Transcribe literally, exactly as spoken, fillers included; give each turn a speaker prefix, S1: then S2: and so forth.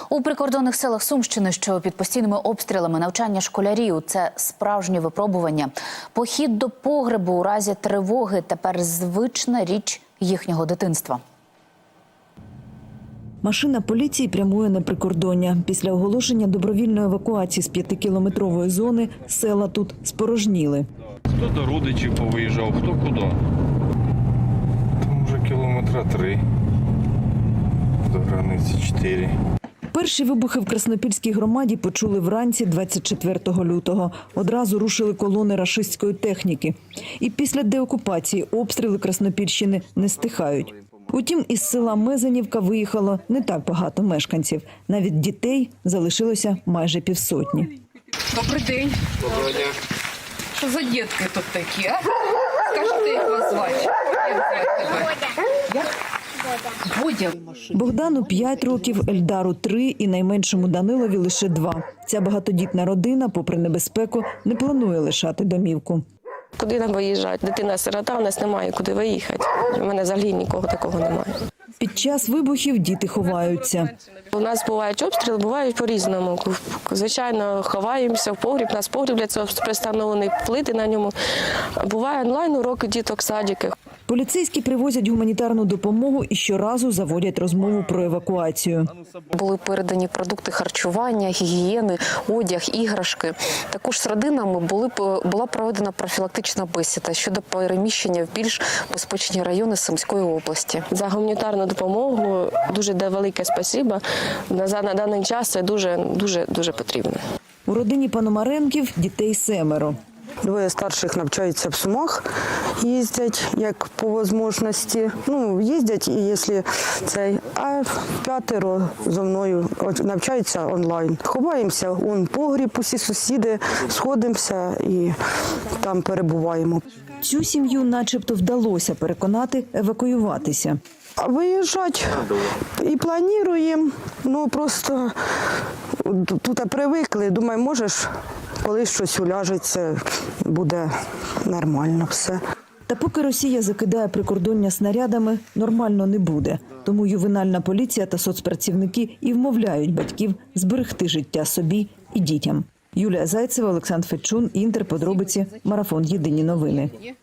S1: У прикордонних селах Сумщини, що під постійними обстрілами, навчання школярів – це справжнє випробування. Похід до погребу у разі тривоги – тепер звична річ їхнього дитинства.
S2: Машина поліції прямує на прикордоння. Після оголошення добровільної евакуації з п'ятикілометрової зони села тут спорожніли.
S3: Хто до родичів повиїжджав, хто куди. Там вже кілометра три, до границі чотири.
S2: Перші вибухи в Краснопільській громаді почули вранці двадцять четвертого лютого. Одразу рушили колони рашистської техніки. І після деокупації обстріли Краснопільщини не стихають. Утім, із села Мезенівка виїхало не так багато мешканців. Навіть дітей залишилося майже півсотні.
S4: Добрий день.
S3: Доброго дня.
S4: Що за дітки тут такі, а? Скажете, як вас звати? Як звати тебе? Як? Бодя.
S2: Богдану п'ять років, Ельдару три і найменшому Данилові лише два. Ця багатодітна родина, попри небезпеку, не планує лишати домівку.
S5: Куди нам виїжджати? Дитина-сирота, у нас немає куди виїхати. У мене взагалі нікого такого немає.
S2: Під час вибухів діти ховаються.
S5: У нас бувають обстріли, бувають по-різному. Звичайно, ховаємося в погріб, у нас погріб для цього пристановлений, плити на ньому. Буває онлайн уроки діток, садики.
S2: Поліцейські привозять гуманітарну допомогу і щоразу заводять розмову про евакуацію.
S6: Були передані продукти харчування, гігієни, одяг, іграшки. Також з родинами були, була проведена профілактична бесіда щодо переміщення в більш безпечні райони Сумської області.
S5: За гуманітарну допомогу дуже велике спасибо. На, на даний час це дуже, дуже, дуже потрібно.
S2: У родині Пономаренків дітей семеро.
S7: Двоє старших навчаються в Сумах, їздять як по можливості. Ну, їздять, і якщо цей, а п'ятеро зо мною навчаються онлайн. Ховаємося, он погріб, усі сусіди, сходимося і там перебуваємо.
S2: Цю сім'ю начебто вдалося переконати евакуюватися.
S7: Виїжджати і плануємо, ну просто тут привикли, думаю, можеш, коли щось уляжеться, буде нормально все.
S2: Та поки Росія закидає прикордоння снарядами, нормально не буде. Тому ювенальна поліція та соцпрацівники і вмовляють батьків зберегти життя собі і дітям. Юлія Зайцева, Олександр Федчун, Інтер, подробиці, Марафон, Єдині новини.